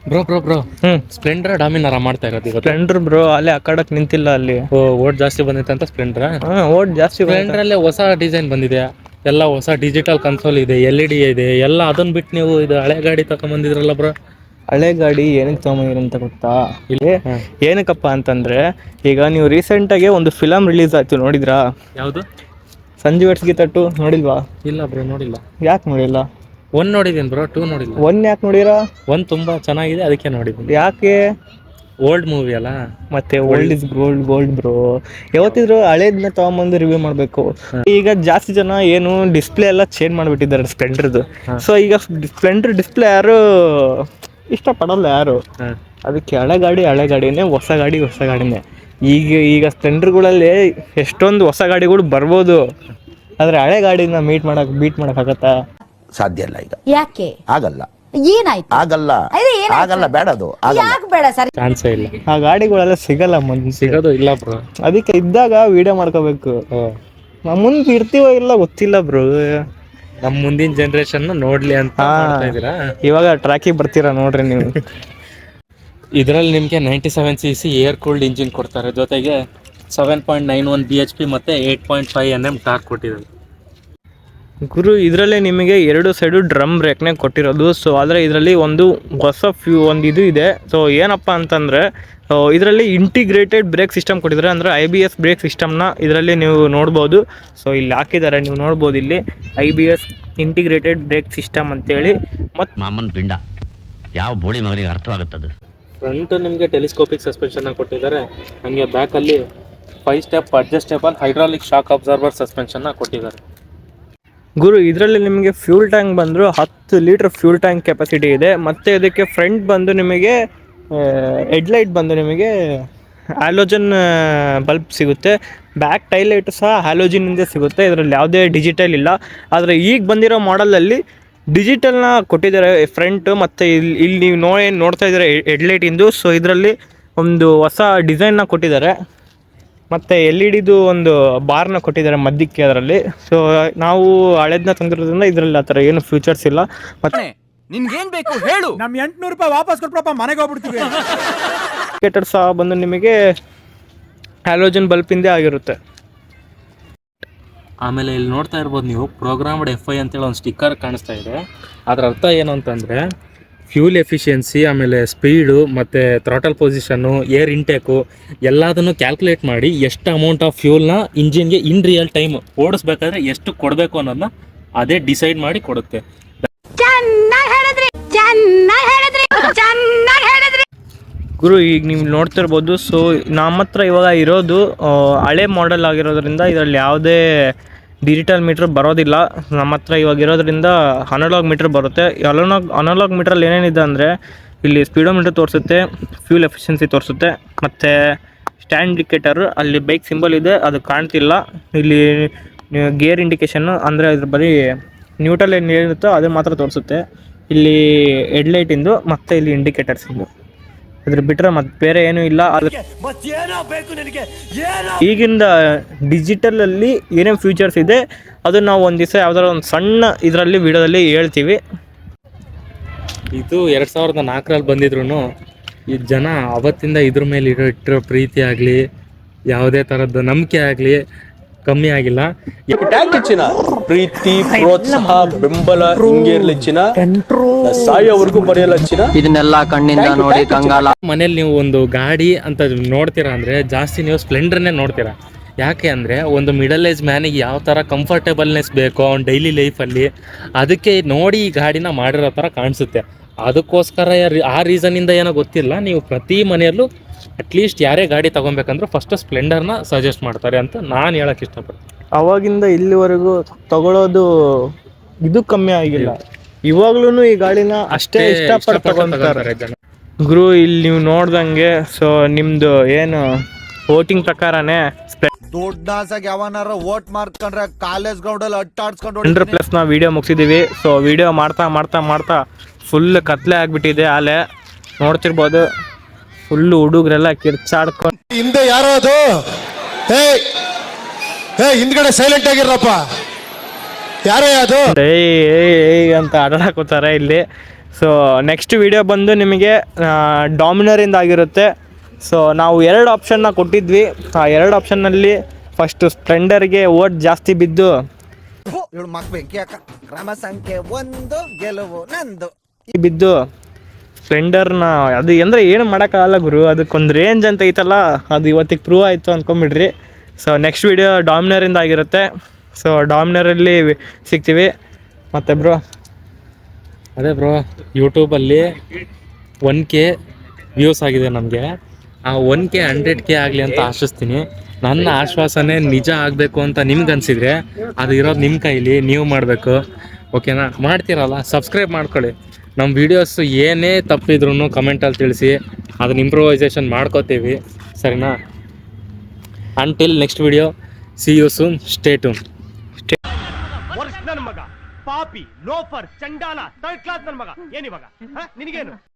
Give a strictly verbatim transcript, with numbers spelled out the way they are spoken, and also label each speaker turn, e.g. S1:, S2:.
S1: Bro bro bro
S2: hmm
S1: Splendor Dominar ಮಾಡ್ತಾ ಇರೋದು ಇವತ್ತು.
S2: ಸ್ಪ್ಲೆಂಡರ್ ಬ್ರೋ ಅಲ್ಲಿ ಆ ಕಡಕ್ ನಿಂತಿಲ್ಲ ಅಲ್ಲಿ.
S1: ಓ ಓಟ್ ಜಾಸ್ತಿ ಬಂದೈತೆ ಅಂತ ಸ್ಪ್ಲೆಂಡರ್.
S2: ಹಾ ಓಟ್ ಜಾಸ್ತಿ
S1: ಸ್ಪ್ಲೆಂಡರ್ ಅಲ್ಲೇ ಹೊಸ ಡಿಸೈನ್ ಬಂದಿದೆ, ಎಲ್ಲ ಹೊಸ ಡಿಜಿಟಲ್ ಕನ್ಸೋಲ್ ಇದೆ, ಎಲ್ ಇ ಡಿ ಇದೆ, ಎಲ್ಲ ಅದನ್ನ ಬಿಟ್ಟು ನೀವು ಇದು ಹಳೆ ಗಾಡಿ ತಗೊಂಬಂದಿದ್ರಲ್ಲ ಬ್ರೋ.
S2: ಹಳೆ ಗಾಡಿ ಏನಕ್ಕೆ ತಗೊಂಬಂದಿರ ಅಂತ ಗೊತ್ತಾ?
S1: ಇಲ್ಲ.
S2: ಏನಕ್ಕಪ್ಪ ಅಂತಂದ್ರೆ ಈಗ ನೀವು ರೀಸೆಂಟ್ ಆಗಿ ಒಂದು ಫಿಲಮ್ ರಿಲೀಸ್ ಆಯ್ತು, ನೋಡಿದ್ರಾ?
S1: ಯಾವುದು?
S2: ಸಂಜು ವೆಟ್ಸ್ ಗೀತಾ ಟು ನೋಡಿಲ್ವಾ?
S1: ಇಲ್ಲ ಬ್ರೋ ನೋಡಿಲ್ಲ.
S2: ಯಾಕೆ ನೋಡಿಲ್ಲ?
S1: ಒನ್ ನೋಡಿದ್ದೀನಿ ಬ್ರೋ, ಟೂ ನೋಡಿಲ್ಲ.
S2: ಒನ್ ಯಾಕೆ ನೋಡಿರಾ?
S1: ಒನ್ ತುಂಬಾ ಚೆನ್ನಾಗಿದೆ, ಅದಕ್ಕೆ ನೋಡಿದ್ದೀನಿ.
S2: ಯಾಕೆ?
S1: ಓಲ್ಡ್ ಮೂವಿ ಅಲ್ಲ,
S2: ಮತ್ತೆ old is gold gold bro. ಯಾವತ್ತಿದ್ರು ಹಳೇದನ್ನ ತಗೊಂಬಂದು ರಿವ್ಯೂ ಮಾಡಬೇಕು. ಈಗ ಜಾಸ್ತಿ ಜನ ಏನು ಡಿಸ್ಪ್ಲೇ ಎಲ್ಲ ಚೇಂಜ್ ಮಾಡಿಬಿಟ್ಟಿದ್ದಾರೆ ಸ್ಪ್ಲೆಂಡರ್ದು. ಸೊ ಈಗ ಸ್ಪ್ಲೆಂಡರ್ ಡಿಸ್ಪ್ಲೇ ಯಾರು ಇಷ್ಟಪಡಲ್ಲ ಯಾರು. ಅದಕ್ಕೆ ಹಳೆ ಗಾಡಿ ಹಳೆ ಗಾಡಿನೇ, ಹೊಸ ಗಾಡಿ ಹೊಸ ಗಾಡಿನೇ. ಈಗ ಈಗ ಸ್ಪ್ಲೆಂಡರ್ಗಳಲ್ಲಿ ಎಷ್ಟೊಂದು ಹೊಸ ಗಾಡಿಗಳು ಬರ್ಬೋದು, ಆದರೆ ಹಳೆ ಗಾಡಿನ ಮೀಟ್ ಮಾಡಕ್ ಬೀಟ್ ಮಾಡೋಕ್ಕಾಗತ್ತಾ?
S3: ಸಾಧ್ಯ ಇಲ್ಲ. ಈಗ
S4: ಯಾಕೆ
S3: ಆಗಲ್ಲ?
S4: ಏನಾಯ್ತು?
S3: ಆಗಲ್ಲ ಆಗಲ್ಲ ಬೇಡ, ಅದು
S4: ಯಾಕೆ ಬೇಡ ಸರ್?
S1: ಚಾನ್ಸೇ ಇಲ್ಲ.
S2: ಆ ಗಾಡಿಗಳೆಲ್ಲ ಸಿಗಲ್ಲ, ಮುಂದೆ
S1: ಸಿಗೋದು ಇಲ್ಲ ಬ್ರೋ.
S2: ಅದಕ್ಕೆ ಇದ್ದಾಗ ವಿಡಿಯೋ ಮಾಡ್ಕೋಬೇಕು. ನಾವು ಮುಂದೆ ಇರ್ತೀವೋ ಇಲ್ಲ ಗೊತ್ತಿಲ್ಲ ಬ್ರೋ.
S1: ನಮ್ಮ ಮುಂದಿನ ಜನರೇಷನ್ ನೋಡ್ಲಿ ಅಂತ ಮಾಡ್ತಾ ಇದೀರಾ.
S2: ಇವಾಗ ಟ್ರ್ಯಾಕಿಗೆ ಬರ್ತೀರಾ ನೋಡ್ರಿ ನೀವು.
S1: ಇದರಲ್ಲಿ ನಿಮಗೆ ninety seven C C air cooled engine ಕೊಡ್ತಾರೆ, ಜೊತೆಗೆ seven point nine one B H P ಮತ್ತು eight point five N M torque ಕೊಟ್ಟಿದ್ದಾರೆ
S2: ಗುರು. ಇದರಲ್ಲೇ ನಿಮಗೆ ಎರಡು ಸೈಡು ಡ್ರಮ್ ಬ್ರೇಕ್ನೇ ಕೊಟ್ಟಿರೋದು. ಸೊ ಆದರೆ ಇದರಲ್ಲಿ ಒಂದು ಹೊಸ ಫ್ಯೂ ಒಂದು ಇದು ಇದೆ. ಸೊ ಏನಪ್ಪ ಅಂತಂದರೆ ಇದರಲ್ಲಿ ಇಂಟಿಗ್ರೇಟೆಡ್ ಬ್ರೇಕ್ ಸಿಸ್ಟಮ್ ಕೊಟ್ಟಿದ್ದಾರೆ, ಅಂದರೆ ಐ ಬಿ ಎಸ್ ಬ್ರೇಕ್ ಸಿಸ್ಟಮ್ನ ಇದರಲ್ಲಿ ನೀವು ನೋಡ್ಬೋದು. ಸೊ ಇಲ್ಲಿ ಹಾಕಿದ್ದಾರೆ, ನೀವು ನೋಡ್ಬೋದು ಇಲ್ಲಿ I B S integrated brake system ಅಂತೇಳಿ. ಮತ್ತು
S5: ಮಾಮನ್ ಪಿಂಡ ಯಾವ ಬೋಳಿ ಮಗನಿಗೆ ಅರ್ಥವಾಗುತ್ತದೆ.
S1: ಫ್ರಂಟ್ ನಿಮಗೆ ಟೆಲಿಸ್ಕೋಪಿಕ್ ಸಸ್ಪೆನ್ಷನ್ನ ಕೊಟ್ಟಿದ್ದಾರೆ, ಹಾಗೆ ಬ್ಯಾಕಲ್ಲಿ five step adjustable hydraulic shock absorber ಸಸ್ಪೆನ್ಷನ್ನ ಕೊಟ್ಟಿದ್ದಾರೆ.
S2: ಗುರು ಇದರಲ್ಲಿ ನಿಮಗೆ ಫ್ಯೂಲ್ ಟ್ಯಾಂಕ್ ಬಂದರು ಹತ್ತು ಲೀಟ್ರ್ ಫ್ಯೂಲ್ ಟ್ಯಾಂಕ್ ಕೆಪಾಸಿಟಿ ಇದೆ. ಮತ್ತು ಇದಕ್ಕೆ ಫ್ರಂಟ್ ಬಂದು ನಿಮಗೆ ಹೆಡ್ಲೈಟ್ ಬಂದು ನಿಮಗೆ ಹ್ಯಾಲೋಜನ್ ಬಲ್ಬ್ ಸಿಗುತ್ತೆ. ಬ್ಯಾಕ್ ಟೈಲೈಟು ಸಹ ಹ್ಯಾಲೋಜಿನಿಂದ ಸಿಗುತ್ತೆ, ಇದರಲ್ಲಿ ಯಾವುದೇ ಡಿಜಿಟಲ್ ಇಲ್ಲ. ಆದರೆ ಈಗ ಬಂದಿರೋ ಮಾಡಲಲ್ಲಿ ಡಿಜಿಟಲ್ನ ಕೊಟ್ಟಿದ್ದಾರೆ ಫ್ರಂಟು. ಮತ್ತು ಇಲ್ಲಿ ಇಲ್ಲಿ ನೀವು ನೋ ಏನು ನೋಡ್ತಾ ಇದ್ದಾರೆ ಹೆಡ್ಲೈಟಿಂದು. ಸೊ ಇದರಲ್ಲಿ ಒಂದು ಹೊಸ ಡಿಸೈನ್ನ ಕೊಟ್ಟಿದ್ದಾರೆ, ಮತ್ತು ಎಲ್ ಇ ಡಿದು ಒಂದು ಬಾರ್ನ ಕೊಟ್ಟಿದ್ದಾರೆ ಮಧ್ಯಕ್ಕೆ ಅದರಲ್ಲಿ. ಸೊ ನಾವು ಹಳೇದನ್ನ ತಂದಿರೋದ್ರಿಂದ ಇದರಲ್ಲಿ ಆ ಥರ ಏನು ಫ್ಯೂಚರ್ಸ್ ಇಲ್ಲ. ಮತ್ತು
S6: ನಿನ್ಗೇನ್ ಬೇಕು ಹೇಳು, ನಮ್ ಎಂಟ್ನೂರು ರೂಪಾಯಿ ವಾಪಸ್ ಕೊಟ್ರಪ್ಪ, ಮನೆಗೆ ಹೋಗ್ಬಿಡ್ತೀವಿ.
S2: ಇಂಡಿಕೇಟರ್ ಸಹ ಬಂದು ನಿಮಗೆ ಹ್ಯಾಲೋಜನ್ ಬಲ್ಪಿಂದೇ ಆಗಿರುತ್ತೆ.
S1: ಆಮೇಲೆ ಇಲ್ಲಿ ನೋಡ್ತಾ ಇರ್ಬೋದು ನೀವು, ಪ್ರೋಗ್ರಾಮ್ಡ್ ಎಫ್ ಐ ಅಂತೇಳಿ ಒಂದು ಸ್ಟಿಕ್ಕರ್ ಕಾಣಿಸ್ತಾ ಇದೆ. ಅದರ ಅರ್ಥ ಏನು ಅಂತಂದರೆ ಫ್ಯೂಲ್ ಎಫಿಷಿಯನ್ಸಿ, ಆಮೇಲೆ ಸ್ಪೀಡು, ಮತ್ತು ಥ್ರಾಟಲ್ ಪೊಸಿಷನ್ನು, ಏರ್ ಇಂಟೇಕು ಎಲ್ಲದನ್ನು ಕ್ಯಾಲ್ಕುಲೇಟ್ ಮಾಡಿ ಎಷ್ಟು ಅಮೌಂಟ್ ಆಫ್ ಫ್ಯೂಲ್ನ ಇಂಜಿನ್ಗೆ ಇನ್ ರಿಯಲ್ ಟೈಮ್ ಓಡಿಸ್ಬೇಕಾದ್ರೆ ಎಷ್ಟು ಕೊಡಬೇಕು ಅನ್ನೋದನ್ನ ಅದೇ ಡಿಸೈಡ್ ಮಾಡಿ ಕೊಡುತ್ತೆ.
S2: ಗುರು ಈಗ ನೀವು ನೋಡ್ತಿರ್ಬೋದು. ಸೊ ನಮ್ಮ ಹತ್ರ ಇವಾಗ ಇರೋದು ಹಳೆ ಮಾಡೆಲ್ ಆಗಿರೋದ್ರಿಂದ ಇದರಲ್ಲಿ ಯಾವುದೇ ಡಿಜಿಟಲ್ ಮೀಟ್ರ್ ಬರೋದಿಲ್ಲ. ನಮ್ಮ ಹತ್ರ ಇವಾಗ ಇರೋದ್ರಿಂದ ಅನಲಾಗ್ ಮೀಟ್ರ್ ಬರುತ್ತೆ. ಅನಲಾಗ್ ಅನಲಾಗ್ ಮೀಟ್ರಲ್ಲಿ ಏನೇನಿದೆ ಅಂದರೆ ಇಲ್ಲಿ ಸ್ಪೀಡೋಮೀಟ್ರ್ ತೋರಿಸುತ್ತೆ, ಫ್ಯೂಲ್ ಎಫಿಷಿಯನ್ಸಿ ತೋರಿಸುತ್ತೆ, ಮತ್ತು ಸ್ಟ್ಯಾಂಡ್ ಇಂಡಿಕೇಟರ್ ಅಲ್ಲಿ ಬೈಕ್ ಸಿಂಬಲ್ ಇದೆ, ಅದು ಕಾಣ್ತಿಲ್ಲ. ಇಲ್ಲಿ ಗೇರ್ ಇಂಡಿಕೇಷನ್ನು ಅಂದರೆ ಇದ್ರ ಬರೀ ನ್ಯೂಟ್ರಲ್ ಏನು ಏನಿರುತ್ತೋ ಅದು ಮಾತ್ರ ತೋರಿಸುತ್ತೆ. ಇಲ್ಲಿ ಹೆಡ್ಲೈಟಿಂದು ಮತ್ತು ಇಲ್ಲಿ ಇಂಡಿಕೇಟರ್ಸಿಂದು, ಅದ್ರ ಬಿಟ್ಟರೆ ಮತ್ತೆ ಬೇರೆ ಏನೂ ಇಲ್ಲ. ಅದ್ರ ಈಗಿಂದ ಡಿಜಿಟಲಲ್ಲಿ ಏನೇನು ಫ್ಯೂಚರ್ಸ್ ಇದೆ ಅದು ನಾವು ಒಂದು ದಿವಸ ಯಾವ್ದಾರ ಒಂದು ಸಣ್ಣ ಇದರಲ್ಲಿ ವಿಡಿಯೋದಲ್ಲಿ ಹೇಳ್ತೀವಿ.
S1: ಇದು ಎರಡು ಸಾವಿರದ ನಾಲ್ಕರಲ್ಲಿ ಬಂದಿದ್ರು ಈ ಜನ ಅವತ್ತಿಂದ ಇದ್ರ ಮೇಲೆ ಇರೋ ಇಟ್ಟಿರೋ ಪ್ರೀತಿ ಆಗಲಿ, ಯಾವುದೇ ಥರದ್ದು ನಂಬಿಕೆ ಆಗಲಿ ಕಮ್ಮಿ ಆಗಿಲ್ಲ.
S7: ಹೆಚ್ಚಿನ ಪ್ರೀತಿ, ಪ್ರೋತ್ಸಾಹ, ಬೆಂಬಲ ಹಿಂಗೆ ಇರ್ಲಿ ಚಿನ್ನ, ಸಾಯೋವರೆಗೂ ಬರೆಯಲ್ಲ ಚಿನ್ನ.
S6: ಇದನ್ನೆಲ್ಲ ಕಣ್ಣಿಂದ ನೋಡಿ ಕಂಗಾಲ.
S1: ಮನೇಲಿ ನೀವು ಒಂದು ಗಾಡಿ ಅಂತ ನೋಡ್ತೀರಾ ಅಂದರೆ ಜಾಸ್ತಿ ನೀವು ಸ್ಪ್ಲೆಂಡರ್ನೇ ನೋಡ್ತೀರಾ. ಯಾಕೆ ಅಂದರೆ ಒಂದು ಮಿಡಲ್ ಏಜ್ ಮ್ಯಾನಿಗೆ ಯಾವ ಥರ ಕಂಫರ್ಟೇಬಲ್ನೆಸ್ ಬೇಕೋ ಅವ್ನ ಡೈಲಿ ಲೈಫಲ್ಲಿ, ಅದಕ್ಕೆ ನೋಡಿ ಈ ಗಾಡಿನ ಮಾಡಿರೋ ಥರ ಕಾಣಿಸುತ್ತೆ. ಅದಕ್ಕೋಸ್ಕರ ಆ ರೀಸನ್ನಿಂದ ಏನೋ ಗೊತ್ತಿಲ್ಲ, ನೀವು ಪ್ರತಿ ಮನೆಯಲ್ಲೂ ಅಟ್ಲೀಸ್ಟ್ ಯಾರೇ ಗಾಡಿ ತೊಗೊಬೇಕಂದ್ರೂ ಫಸ್ಟ್ ಸ್ಪ್ಲೆಂಡರ್ನ ಸಜೆಸ್ಟ್ ಮಾಡ್ತಾರೆ ಅಂತ ನಾನು ಹೇಳೋಕ್ಕೆ ಇಷ್ಟಪಡ್ತೀನಿ.
S2: ಅವಾಗಿಂದ ಇಲ್ಲಿವರೆಗೂ ತಗೊಳ್ಳೋದು ಇದು ಕಮ್ಮಿ ಆಗಿಲ್ಲ. ಇವಾಗ್ಲೂ ಈ ಗಾಡಿನ ಅಷ್ಟೇ ಇಷ್ಟಪಟ್ಟು ತಗೊಂತಾರೆ ಜನ. ಗುರು ಇಲ್ಲಿ ನೀವು ನೋಡ್ದಂಗೆ, ಸೊ ನಿಮ್ಮದು ಏನು ವೋಟಿಂಗ್ ಪ್ರಕಾರನೇ
S8: ದೊಡ್ಡಾಸಾಗಿ ಯಾವನಾರ ವೋಟ್ ಮಾಡ್ಕೊಂಡ್ರೆ ಕಾಲೇಜ್ ಗ್ರೌಂಡಲ್ಲಿ ಅಟ್ಟಾಡ್ಸ್ಕೊಂಡು
S2: ಹಂಡ್ರೆಡ್ ಪ್ಲಸ್ ನಾವು ವಿಡಿಯೋ ಮುಗಿಸಿದ್ದೀವಿ. ಸೊ ವಿಡಿಯೋ ಮಾಡ್ತಾ ಮಾಡ್ತಾ ಮಾಡ್ತಾ ಫುಲ್ ಕತ್ಲೆ ಆಗಿಬಿಟ್ಟಿದೆ. ಆಲೆ ನೋಡ್ತಿರ್ಬೋದು, ಫುಲ್ಲು ಹುಡುಗರೆಲ್ಲ ಕಿರ್ಚಾಡ್ಕೊಂಡು.
S8: ಹಿಂದೆ ಯಾರೋ ಅದು ಹೇ ಹೇ ಹಿಂದ್ಗಡೆ ಸೈಲೆಂಟ್ ಆಗಿರಪ್ಪ, ಯಾರೇ ಅದು
S2: ಏಯ್ ಏಯ್ ಅಂತ ಆಡಾಕೋತಾರೆ ಇಲ್ಲಿ. ಸೊ ನೆಕ್ಸ್ಟ್ ವಿಡಿಯೋ ಬಂದು ನಿಮಗೆ ಡಾಮಿನರಿಂದ ಆಗಿರುತ್ತೆ. ಸೊ ನಾವು ಎರಡು ಆಪ್ಷನ್ನ ಕೊಟ್ಟಿದ್ವಿ. ಆ ಎರಡು ಆಪ್ಷನ್ನಲ್ಲಿ ಫಸ್ಟು ಸ್ಪ್ಲೆಂಡರ್ಗೆ ಓಟ್ ಜಾಸ್ತಿ ಬಿದ್ದು
S8: ಇವಳು ಮಕ್ ಬೆಂಕಿ ಅಕ್ಕ ಕ್ರಮ ಸಂಖ್ಯೆ ಒಂದು ಗೆಲುವು ನಂದು
S2: ಬಿದ್ದು ಸ್ಪ್ಲೆಂಡರ್ನ ಅದು ಅಂದರೆ ಏನು ಮಾಡೋಕ್ಕಾಗಲ್ಲ ಗುರು, ಅದಕ್ಕೊಂದು ರೇಂಜ್ ಅಂತ ಐತಲ್ಲ, ಅದು ಇವತ್ತಿಗೆ ಪ್ರೂವ್ ಆಯಿತು ಅಂದ್ಕೊಂಬಿಡ್ರಿ. ಸೊ ನೆಕ್ಸ್ಟ್ ವಿಡಿಯೋ ಡಾಮಿನರಿಂದ ಆಗಿರುತ್ತೆ. ಸೊ ಡಾಮಿನರಲ್ಲಿ ಸಿಗ್ತೀವಿ. ಮತ್ತೆ ಬ್ರೋ
S1: ಅದೇ ಬ್ರೋ, ಯೂಟ್ಯೂಬಲ್ಲಿ ಒನ್ ಕೆ ವ್ಯೂಸ್ ಆಗಿದೆ ನಮಗೆ. ಆ ಒನ್ ಕೆ ಹಂಡ್ರೆಡ್ ಕೆ ಆಗಲಿ ಅಂತ ಆಶಿಸ್ತೀನಿ. ನನ್ನ ಆಶ್ವಾಸನೆ ನಿಜ ಆಗಬೇಕು ಅಂತ ನಿಮ್ಗೆ ಅನಿಸಿದರೆ ಅದು ಇರೋದು ನಿಮ್ಮ ಕೈಲಿ, ನೀವು ಮಾಡಬೇಕು. ಓಕೆನಾ? ಮಾಡ್ತೀರಲ್ಲ, ಸಬ್ಸ್ಕ್ರೈಬ್ ಮಾಡ್ಕೊಳ್ಳಿ. ನಮ್ಮ ವೀಡಿಯೋಸು ಏನೇ ತಪ್ಪಿದ್ರೂ ಕಮೆಂಟಲ್ಲಿ ತಿಳಿಸಿ, ಅದನ್ನ ಇಂಪ್ರೂವೈಸೇಷನ್ ಮಾಡ್ಕೋತೀವಿ. ಸರಿನಾ? Until next video, see you soon, stay tune.
S4: ನನ್ನ ಮಗ ಪಾಪಿ ಲೋಫರ್ ಚಂಡಾಲ ಥರ್ಡ್ ಕ್ಲಾಸ್ ನನ್ನ ಮಗ ಏನಿವಾಗ ನಿನಗೇನು